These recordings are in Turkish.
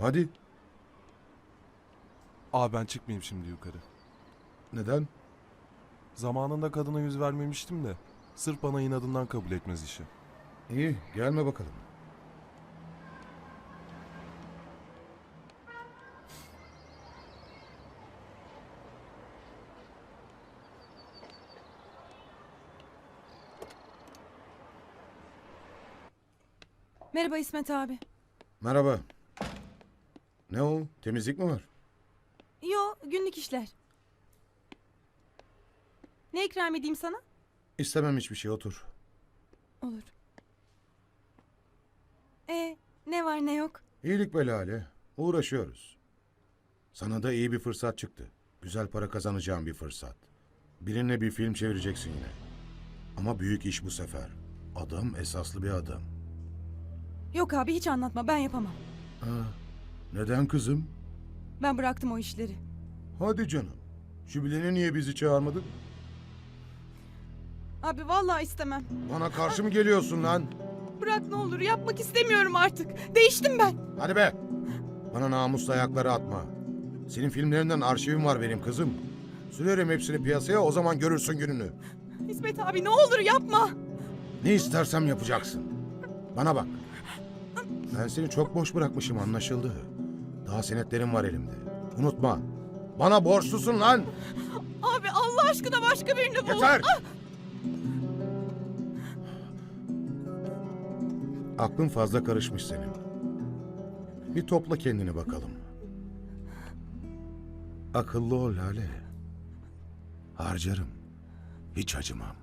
Hadi. Abi ben çıkmayayım şimdi yukarı. Neden? Zamanında kadına yüz vermemiştim de. Sırf bana inadından kabul etmez işi. İyi, gelme bakalım. Merhaba İsmet abi. Merhaba. Ne o? Temizlik mi var? Yo, günlük işler. Ne ikram edeyim sana? İstemem hiçbir şey, otur. Olur. Ne var ne yok? İyilik be Lale. Uğraşıyoruz. Sana da iyi bir fırsat çıktı. Güzel para kazanacağın bir fırsat. Birine bir film çevireceksin yine. Ama büyük iş bu sefer. Adam esaslı bir adam. Yok abi hiç anlatma, ben yapamam. Neden kızım? Ben bıraktım o işleri. Hadi canım. Jübilene niye bizi çağırmadın? Abi vallahi istemem. Bana karşı mı geliyorsun lan? Bırak ne olur, yapmak istemiyorum artık. Değiştim ben. Hadi be! Bana namuslu ayakları atma. Senin filmlerinden arşivim var benim kızım. Sürerim hepsini piyasaya, o zaman görürsün gününü. İsmet abi ne olur yapma. Ne istersem yapacaksın. Bana bak. Ben seni çok boş bırakmışım, anlaşıldı. Daha senetlerim var elimde. Unutma. Bana borçlusun lan! Abi Allah aşkına başka birini bul. Yeter! Aklın fazla karışmış senin. Bir topla kendini bakalım. Akıllı ol Lale. Harcarım. Hiç acımam.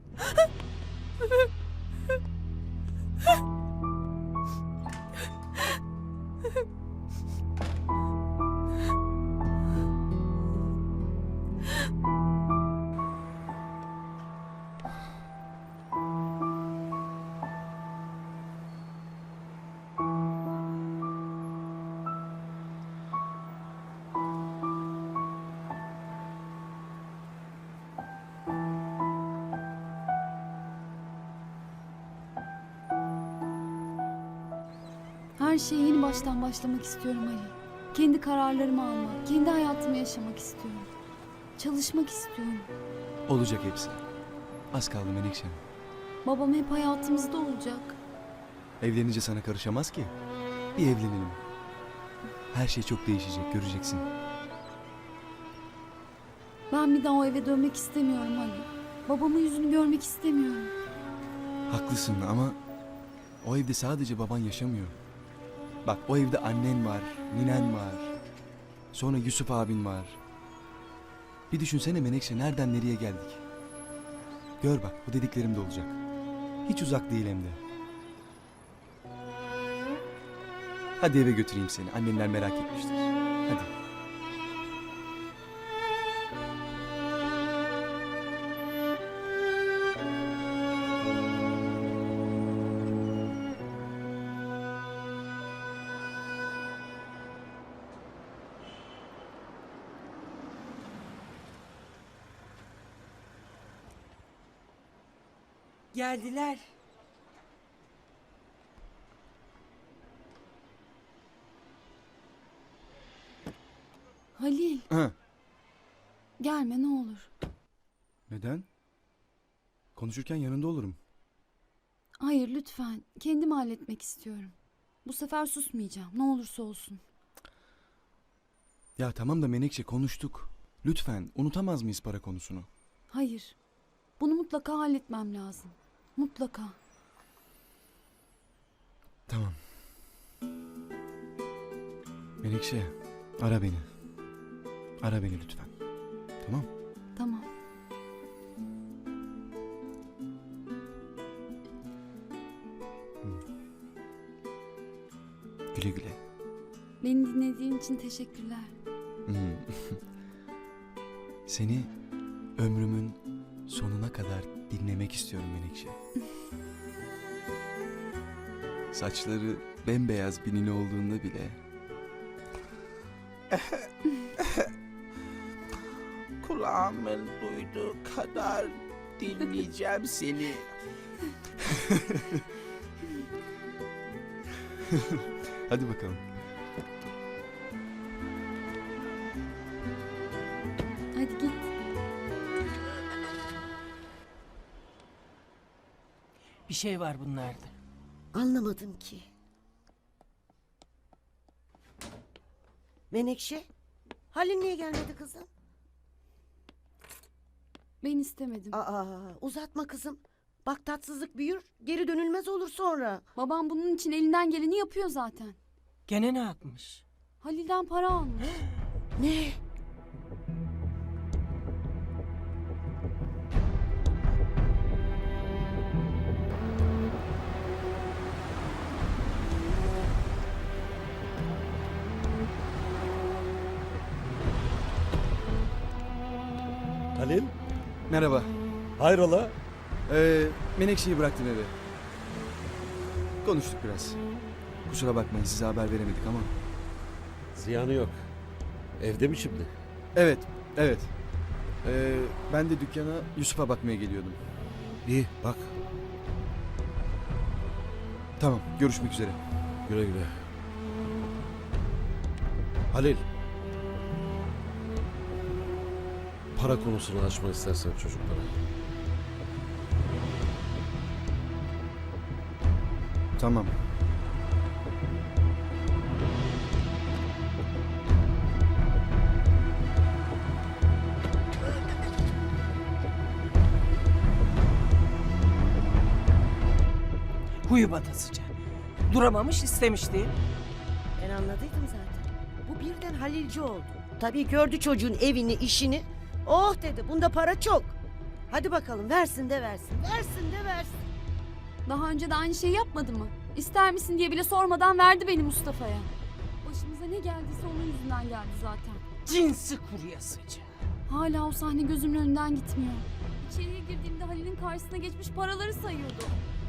Her şeye yeni baştan başlamak istiyorum Ali. Kendi kararlarımı almak, kendi hayatımı yaşamak istiyorum. Çalışmak istiyorum. Olacak hepsi. Az kaldı Menekşe. Babam hep hayatımızda olacak. Evlenince sana karışamaz ki. Bir evlenelim. Her şey çok değişecek, göreceksin. Ben bir daha o eve dönmek istemiyorum Ali. Babamın yüzünü görmek istemiyorum. Haklısın ama o evde sadece baban yaşamıyor. Bak o evde annen var, ninen var. Sonra Yusuf abin var. Bir düşünsene Menekşe, nereden nereye geldik. Gör bak, bu dediklerim de olacak. Hiç uzak değil hem de. Hadi eve götüreyim seni. Annenler merak etmiştir. Hadi. Geldiler. Halil, Ha. gelme ne olur. Neden? Konuşurken yanında olurum. Hayır lütfen, kendim halletmek istiyorum. Bu sefer susmayacağım, ne olursa olsun. Ya tamam da Menekşe, konuştuk. Lütfen unutamaz mıyız para konusunu? Hayır, bunu mutlaka halletmem lazım. Mutlaka. Tamam. Menekşe, ara beni. Ara beni lütfen. Tamam. Tamam. Güle güle. Beni dinlediğin için teşekkürler. Seni ömrümün sonuna kadar dinlemek istiyorum Menekşe. Saçları bembeyaz bir nine olduğunda bile Kulağımın duyduğu kadar dinleyeceğim seni. hadi bakalım. Hadi git. Bir şey var bunlarda. Anlamadım ki. Menekşe, Halil niye gelmedi kızım? Ben istemedim. Aa, uzatma kızım. Bak tatsızlık büyür, geri dönülmez olur sonra. Babam bunun için elinden geleni yapıyor zaten. Gene ne yapmış? Halil'den para almış. Ne? Halil, Merhaba. hayrola? Menekşe'yi bıraktım eve. Konuştuk biraz. Kusura bakmayın size haber veremedik ama. Ziyanı yok. Evde mi şimdi? Evet, evet. Ben de dükkana Yusuf'a bakmaya geliyordum. İyi, bak. Tamam, görüşmek üzere. Güle güle. Halil. Para konusunu açma istersen çocuklara. Tamam. Huyu batasıca. Duramamış istemişti. Ben anladıydım zaten. Bu birden Halilci oldu. Tabii gördü çocuğun evini, işini. Oh dedi, bunda para çok. Hadi bakalım, versin de versin, versin de versin. Daha önce de aynı şeyi yapmadı mı? İster misin diye bile sormadan verdi beni Mustafa'ya. Başımıza ne geldiyse onun yüzünden geldi zaten. Cinsi kuryasıca. Hala o sahne gözümün önünden gitmiyor. İçeriye girdiğimde Halil'in karşısına geçmiş paraları sayıyordu.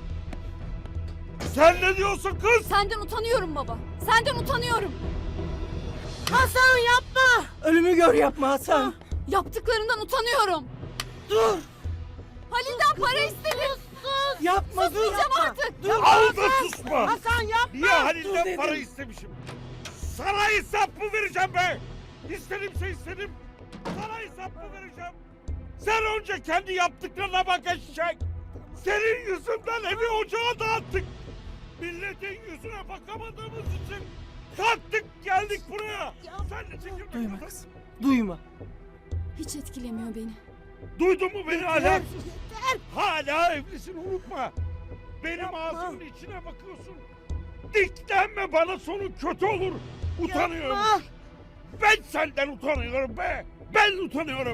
Sen ne diyorsun kız? Senden utanıyorum baba. Senden utanıyorum. Hasan yapma! Ölümü gör yapma Hasan. Yaptıklarından utanıyorum. Dur. Halil'den para istedim. Yapma dur. Susmayacağım artık. Al da susma. Hasan yapma! Niye Halil'den dedim. para istemişim? Sana hesap mı vereceğim be? İstedimse istedim. Sana hesap mı vereceğim? Sen önce kendi yaptıklarına bak eşek. Senin yüzünden evi ocağa dağıttık. Milletin yüzüne bakamadığımız için kalktık geldik buraya. Sen de çekil. Duyma kızım. Duyma. Hiç etkilemiyor beni. Duydun mu beni ahlaksız? Hala evlisin unutma. Benim ağzımın içine bakıyorsun. Diklenme bana sonu kötü olur. Utanıyorum. Yapma! Ben senden utanıyorum be. Ben utanıyorum.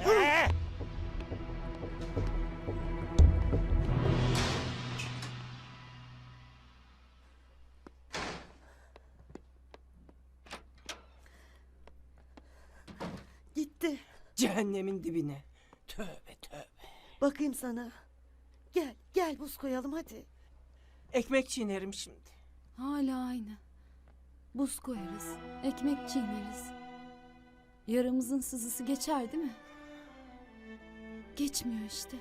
Gitti. Cehennemin dibine. Tövbe tövbe. Bakayım sana. Gel, gel buz koyalım hadi. Ekmek çiğnerim şimdi. Hala aynı. Buz koyarız. Ekmek çiğneriz. Yaramızın sızısı geçer değil mi? Geçmiyor işte.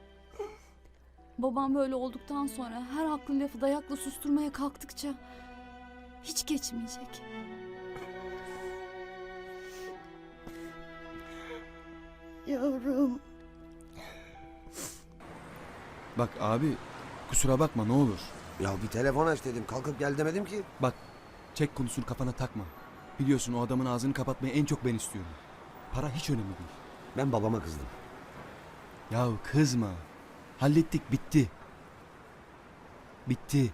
Babam böyle olduktan sonra her haklı lafı dayakla susturmaya kalktıkça hiç geçmeyecek. Yavrum. Bak abi, kusura bakma ne olur. Ya bir telefon aç dedim. Kalkıp gel demedim ki. Bak, çek konusunu kafana takma. Biliyorsun o adamın ağzını kapatmayı en çok ben istiyorum. Para hiç önemli değil. Ben babama kızdım. Yahu kızma. Hallettik, bitti. Bitti.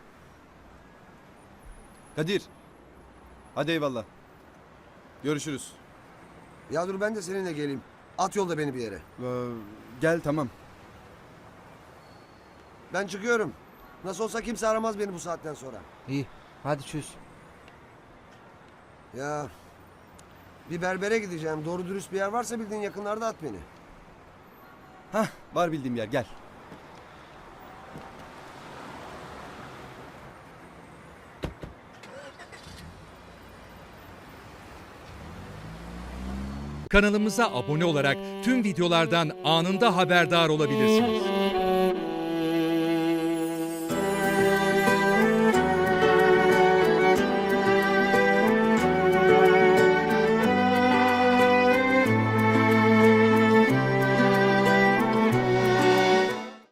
Kadir. Hadi eyvallah. Görüşürüz. Ya dur ben de seninle geleyim. At yolda beni bir yere. Gel tamam. Ben çıkıyorum. Nasıl olsa kimse aramaz beni bu saatten sonra. İyi. Hadi çöz. Ya bir berbere gideceğim. Doğru dürüst bir yer varsa bildiğin yakınlarda at beni. Hah, var bildiğim yer, gel. Kanalımıza abone olarak tüm videolardan anında haberdar olabilirsiniz.